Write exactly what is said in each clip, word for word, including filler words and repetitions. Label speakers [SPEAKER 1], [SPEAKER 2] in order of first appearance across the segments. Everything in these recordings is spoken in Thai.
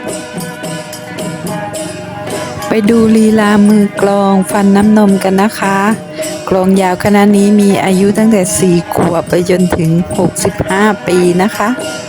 [SPEAKER 1] ไปดูลีลามือกลองฟันน้ำนมกันนะคะกลองยาวคณะนี้มีอายุตั้งแต่สี่ขวบไปจนถึงหกสิบห้าปีนะคะ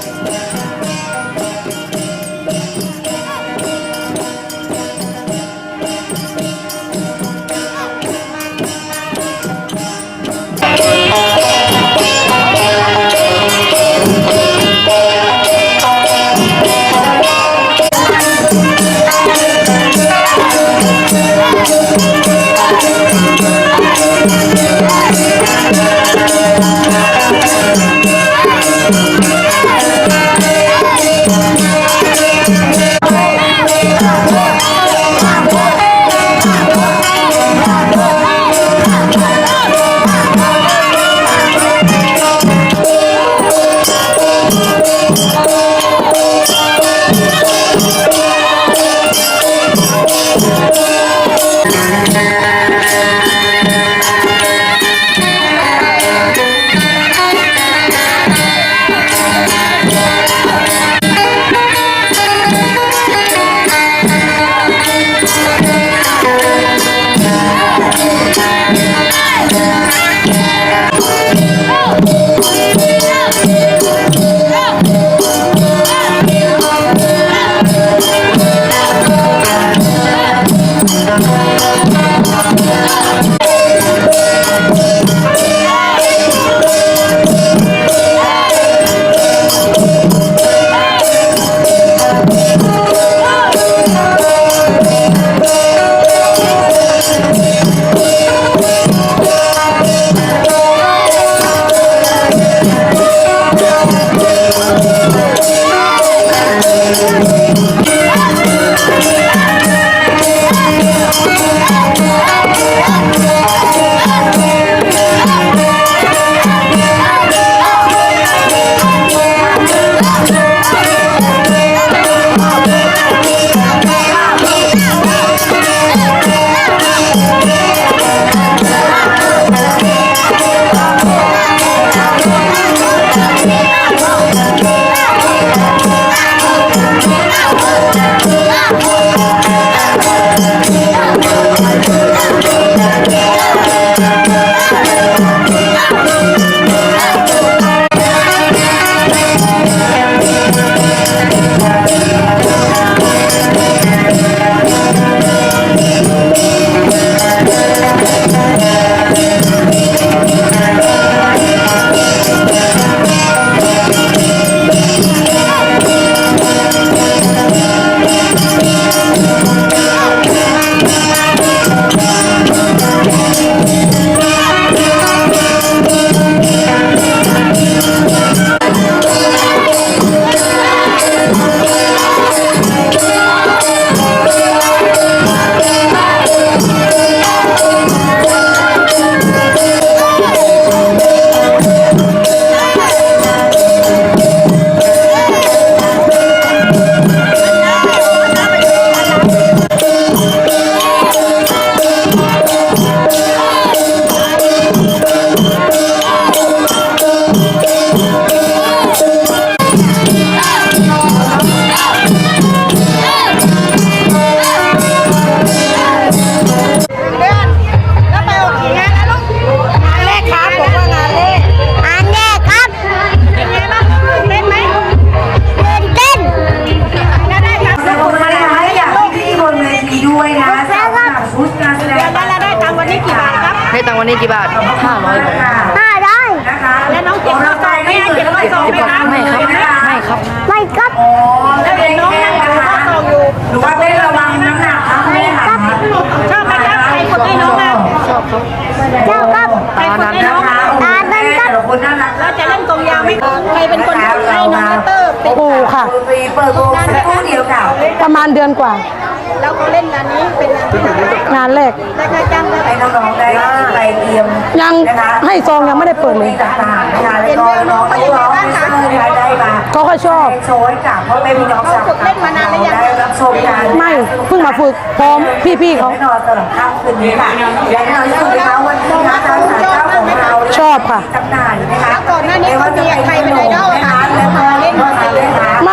[SPEAKER 2] ให้ตังค์วันนี้กี่บาทห้าร้อย
[SPEAKER 3] ห้าร้อย
[SPEAKER 4] แล้วน้องเจ็บข้อศอกไหมเจ็บข้อศอกไหมคะ
[SPEAKER 2] ไม่ครับไม่ครับ
[SPEAKER 3] ไม่ครับ
[SPEAKER 4] แล้วเห็นน้องนั่งถือข้อศอกอยู่
[SPEAKER 5] หรือว่าได้ระวังน้ำหนักครับแม่ค่ะ
[SPEAKER 4] ชอบไหมครับใครฝึกให้น้องอ่ะ
[SPEAKER 2] ชอบครับ
[SPEAKER 3] เจ้าครับ
[SPEAKER 4] ใครฝึกให้น้อง
[SPEAKER 5] นะคะโอ้โหแม่แต่ละคนน่ารัก
[SPEAKER 4] แล้วจะเล่นกองยาวไหมใครเป็นคนฝึกให้น้องเตอร์เป็น
[SPEAKER 6] ครูค่ะ
[SPEAKER 5] ดนตรีเปิดวงสักครู่เดียวค่ะ
[SPEAKER 6] ประมาณเดือนกว่า
[SPEAKER 4] แล้วเขาเล่นงานนี้เป็นงานที่ไหน
[SPEAKER 6] งานแรก
[SPEAKER 4] ได้ค่าจ้างได้
[SPEAKER 5] ให้น้องๆได้ไปเตรียม
[SPEAKER 6] ยัง
[SPEAKER 5] นะคะ
[SPEAKER 6] ให้ซองยังไม่ได้เปิดเลย
[SPEAKER 5] ต่างๆนะคะแล้วก็น้องๆที่ร้องในสกูลได้มา
[SPEAKER 6] เขาก็ชอบ
[SPEAKER 5] โชว์ให้กับพ่อแม่พี่น้องชาวได้รับชมกัน
[SPEAKER 6] ไม่เพิ่งมาฝึกพร้อมพี่ๆเขา
[SPEAKER 5] แน่นอนตลอดค่ำคืนนี้ค่ะและแน่นอนที่สุดนะคะวันนี้นะคะทางศาลเจ้าของเรา
[SPEAKER 6] ชอบค่ะ
[SPEAKER 5] จำหน่ายนะคะ
[SPEAKER 4] ก่อนหน้านี้เขามีใครเป็นไอดอลคะ
[SPEAKER 5] แล้วก็เล่นดนตรีนะคะ
[SPEAKER 6] ไม่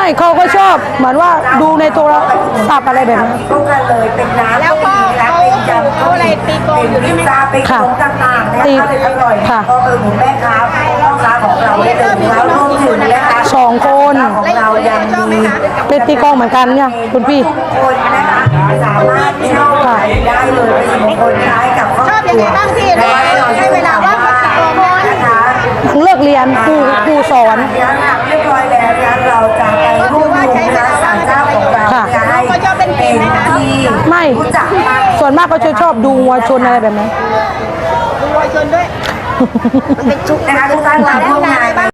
[SPEAKER 6] เขาก็ชอบเหมือนว่าดูในโทรศัพท์อะไรแบบนั้น
[SPEAKER 5] ก็เลยเป็นน้ำ
[SPEAKER 4] แล้วก็เขาเขาอะไรตีกลองอยู่นี่ไหม
[SPEAKER 5] ซาเป็นของต่างๆนะคะเป็นอร่อยก็คือหมูแม่ค้าพ่อค้าของเราได้เลยแล้วรวมถึงนะคะ
[SPEAKER 6] สองคน
[SPEAKER 5] ของเรายังมี
[SPEAKER 6] เป็นตีกลองเหมือนกันเนี่ยคุณพี่
[SPEAKER 5] คนนะคะสามารถเช่าขายได้เลยเป็นมงคลคล้ายกับครอบ
[SPEAKER 4] ชอบ
[SPEAKER 5] ค
[SPEAKER 4] ยัง
[SPEAKER 5] รั
[SPEAKER 4] ไง
[SPEAKER 5] ว
[SPEAKER 4] บ้างพี่ให้เวลาว่างมาตีกลอง
[SPEAKER 5] นะคะ
[SPEAKER 6] เลิกเรียนครูครูสอน
[SPEAKER 5] เรียบร้อยแล้วนะเราจะไปรวบรวมนะศาลเจ้าของเรา
[SPEAKER 6] ค่ะ
[SPEAKER 5] จะให้เป็นที่
[SPEAKER 6] ไม่
[SPEAKER 5] รู้จักมาก
[SPEAKER 6] ส่วนมากก็จะชอบดูวัวชนอะไรแบบนั้น
[SPEAKER 4] ดูวัยชนด้วย
[SPEAKER 5] นะคะทุกท่านมาร่วมงานใน